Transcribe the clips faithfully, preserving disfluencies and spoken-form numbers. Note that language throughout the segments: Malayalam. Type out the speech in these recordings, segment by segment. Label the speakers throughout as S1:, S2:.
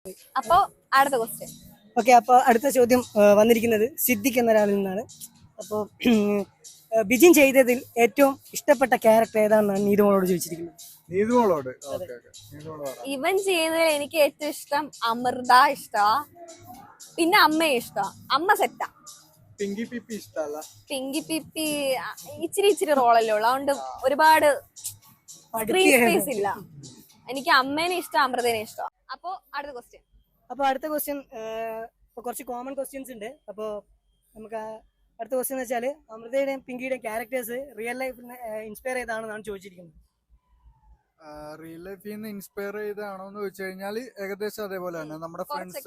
S1: അപ്പോ അടുത്ത ക്വസ്റ്റ്യൻ.
S2: ഓക്കെ, അപ്പോൾ അടുത്ത ചോദ്യം വന്നിരിക്കുന്നത് സിദ്ദിഖ് എന്ന ഒരാളിൽ നിന്നാണ്. അപ്പോൾ ബിജിൻ ചെയ്തതിൽ ഏറ്റവും ഇഷ്ടപ്പെട്ട ക്യാരക്ടർ ഏതാണെന്നാണ് നീതുമോളോട് ചോദിച്ചിരിക്കുന്നത്.
S3: നീതുമോളോട്
S1: ഇവൻ ചെയ്യുന്നതിൽ എനിക്ക് ഏറ്റവും ഇഷ്ടം അമൃത ഇഷ്ടമാ, പിന്നെ അമ്മയെ ഇഷ്ടമാ. അമ്മ സെറ്റാ.
S3: പിങ്കി പിപ്പി ഇഷ്ടല്ല.
S1: പിങ്കി പിപ്പി ഇച്ചിരി ഇച്ചിരി റോളല്ലേ ഉള്ളു, അതുകൊണ്ട് ഒരുപാട് സ്ക്രീൻ സ്പേസ് ഇല്ല. എനിക്ക് അമ്മേനെ ഇഷ്ടം, അമൃതേനെ ഇഷ്ടം. അപ്പോ അടുത്ത ക്വസ്റ്റ്യൻ.
S2: അപ്പോൾ അടുത്ത ക്വസ്റ്റ്യൻ ഇപ്പോൾ കുറച്ച് കോമൺ ക്വസ്റ്റ്യൻസ് ഉണ്ട്. അപ്പോൾ നമുക്ക് അടുത്ത ക്വസ്റ്റ്യൻ എന്ന് വെച്ചാൽ അമൃതയുടെയും പിങ്കിയുടെയും ക്യാരക്ടേഴ്സ് റിയൽ ലൈഫിൽ ഇൻസ്പയർ ചെയ്താണെന്നാണ് ചോദിച്ചിരിക്കുന്നത്.
S3: റിയൽ ലൈഫിൽ നിന്ന് ഇൻസ്പയർ ചെയ്താണോ എന്ന് ചോദിച്ചു കഴിഞ്ഞാൽ ഏകദേശം അതേപോലെ തന്നെ നമ്മുടെ ഫ്രണ്ട്സ്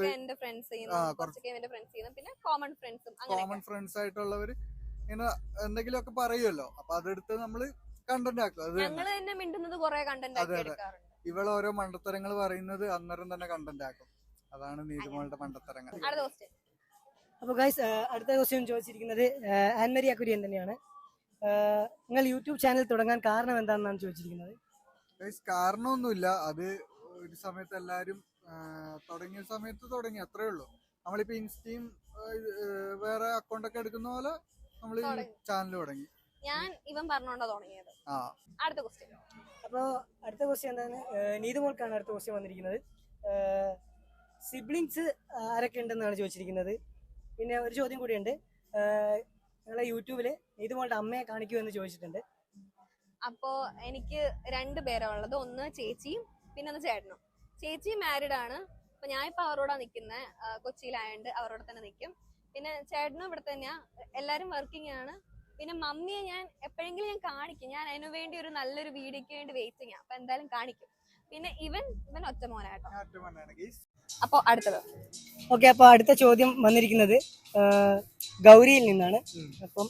S1: പിന്നെ കോമൺ ഫ്രണ്ട്സും
S3: കോമൺ ഫ്രണ്ട്സ് ആയിട്ടുള്ളവര് ഇങ്ങനെ എന്തെങ്കിലുമൊക്കെ പറയുമല്ലോ, അപ്പൊ അതെടുത്ത് നമ്മള് കണ്ടന്റ് ആക്കും. അത്
S1: തന്നെ മിണ്ടുന്നത് കുറെ കണ്ടന്റ് ആക്കി എടുക്കാറുണ്ട്.
S3: ഇവള് ഓരോ മണ്ടത്തരങ്ങൾ പറയുന്നത് അന്നേരം തന്നെ കണ്ടന്റ് ആക്കും. അതാണ് നീതുമോളുടെ മണ്ടത്തരങ്ങൾ.
S2: അപ്പോൾ ഗൈസ്, അടുത്ത ക്വസ്റ്റ്യൻ ചോദിച്ചിരിക്കുന്നത് ആൻമരിയ കുര്യൻ തന്നെയാണ്. നിങ്ങൾ യൂട്യൂബ് ചാനൽ തുടങ്ങാൻ കാരണം എന്താണെന്നാണ് ചോദിച്ചിരിക്കുന്നത്.
S3: കാരണമൊന്നുമില്ല, അത് ഒരു സമയത്ത് എല്ലാരും തുടങ്ങിയ സമയത്ത് തുടങ്ങി, അത്രേ ഉള്ളൂ. നമ്മളിപ്പോ ഇൻസ്റ്റയും വേറെ അക്കൗണ്ട് ഒക്കെ എടുക്കുന്ന പോലെ നമ്മൾ ചാനൽ തുടങ്ങി.
S1: ഞാൻ ഇവൻ പറഞ്ഞോണ്ടാ തുടങ്ങിയത്.
S3: ആ
S1: അടുത്ത ക്വസ്റ്റ്യൻ.
S2: അപ്പോൾ അടുത്ത ക്വസ്റ്റ്യൻ എന്താണ്, നീതുമോൾക്കാണ് അടുത്ത ക്വസ്റ്റ്യൻ വന്നിരിക്കുന്നത്. സിബ്ലിങ്സ് ആരൊക്കെ ഉണ്ടെന്നാണ് ചോദിച്ചിരിക്കുന്നത്. പിന്നെ ഒരു ചോദ്യം കൂടിയുണ്ട്, നിങ്ങളെ യൂട്യൂബില് നീതുമോളുടെ അമ്മയെ കാണിക്കൂ എന്ന് ചോദിച്ചിട്ടുണ്ട്.
S1: അപ്പോ എനിക്ക് രണ്ട് പേരാ ഉള്ളത്, ഒന്ന് ചേച്ചിയും പിന്നെ ഒന്ന് ചേട്ടനും. ചേച്ചി മാരീഡ് ആണ്, അപ്പൊ ഞാൻ ഇപ്പൊ അവരോടാ നിക്കുന്നത്, കൊച്ചിയിലായോണ്ട് അവരോട് തന്നെ നിൽക്കും. പിന്നെ ചേട്ടനും ഇവിടെ തന്നെയാ, എല്ലാരും വർക്കിംഗ് ആണ്. പിന്നെ മമ്മിയെ ഞാൻ എപ്പോഴെങ്കിലും ഞാൻ കാണിക്കും, ഞാൻ അതിനു വേണ്ടി ഒരു നല്ലൊരു വീഡിയോക്ക് വേണ്ടി വെയിറ്റിംഗ്, അപ്പൊ എന്തായാലും കാണിക്കും. പിന്നെ ഇവൻ ഇവൻ ഒറ്റ മോനാട്ടോ. അപ്പൊ അടുത്തത്.
S2: ഓക്കെ, അപ്പൊ അടുത്ത ചോദ്യം വന്നിരിക്കുന്നത് ഗൗരിയിൽ നിന്നാണ്. അപ്പം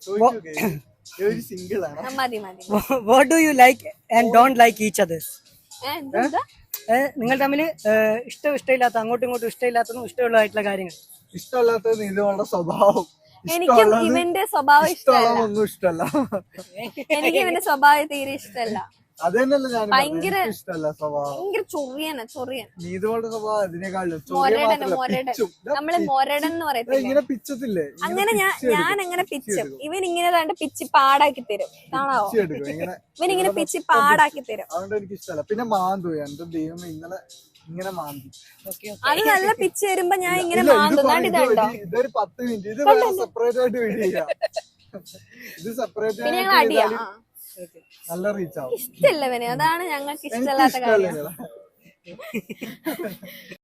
S1: മതി മതി.
S2: What do you like and don't like each others? നിങ്ങൾ തമ്മിൽ ഇഷ്ടം ഇഷ്ടമില്ലാത്ത, അങ്ങോട്ടും ഇങ്ങോട്ടും ഇഷ്ടമില്ലാത്തതും ഇഷ്ടമുള്ളതായിട്ടുള്ള കാര്യങ്ങൾ.
S3: ഇഷ്ടമല്ലാത്തത് നീതുമോളുടെ സ്വഭാവം.
S1: എനിക്കും ഇവന്റെ സ്വഭാവം ഇഷ്ടമല്ല.
S3: ഒന്നും ഇഷ്ടമല്ല.
S1: എനിക്ക് ഇവന്റെ സ്വഭാവം തീരെ ഇഷ്ടമല്ല.
S3: അത് തന്നെയല്ല ഞാൻ
S1: ഭയങ്കര
S3: ഇഷ്ടമല്ല സ്വഭാവം.
S1: ഭയങ്കര ചൊറിയന ചൊറിയൻ.
S3: നീതുമോളുടെ സ്വഭാവം അതിനേക്കാളും
S1: നമ്മള് മൊരടൻ എന്ന് പറയത്തില്ലേ,
S3: ഇങ്ങനെ പിച്ചത്തില്ലേ,
S1: അങ്ങനെ ഞാൻ ഞാൻ അങ്ങനെ പിച്ചും. ഇവൻ ഇങ്ങനെ കണ്ട് പിച്ച് പാടാക്കി തരും, കാണാവോ? ഇവൻ ഇങ്ങനെ പിച്ച് പാടാക്കി തരും.
S3: അതുകൊണ്ട് എനിക്ക് ഇഷ്ടമല്ല. പിന്നെ മാന്തു, എന്റെ ദൈവം ഇന്നലെ ഇങ്ങനെ മാന്തി.
S1: അത് നല്ല പിച്ച് വരുമ്പോ ഞാൻ ഇങ്ങനെ മാന്തും. ഇതുണ്ടോ,
S3: ഇതൊരു പത്ത് മിനിറ്റ് ഇത് വേറെ സെപ്പറേറ്റ് ആയിട്ട് വീഡിയോ ചെയ്യാം. ഇത് സെപ്പറേറ്റ് ആയിട്ട് നല്ല റീച്ച് ആവും.
S1: ഇഷ്ടമല്ല ഇവന്, അതാണ് ഞങ്ങൾക്ക് ഇഷ്ടമല്ലാത്ത കാര്യം.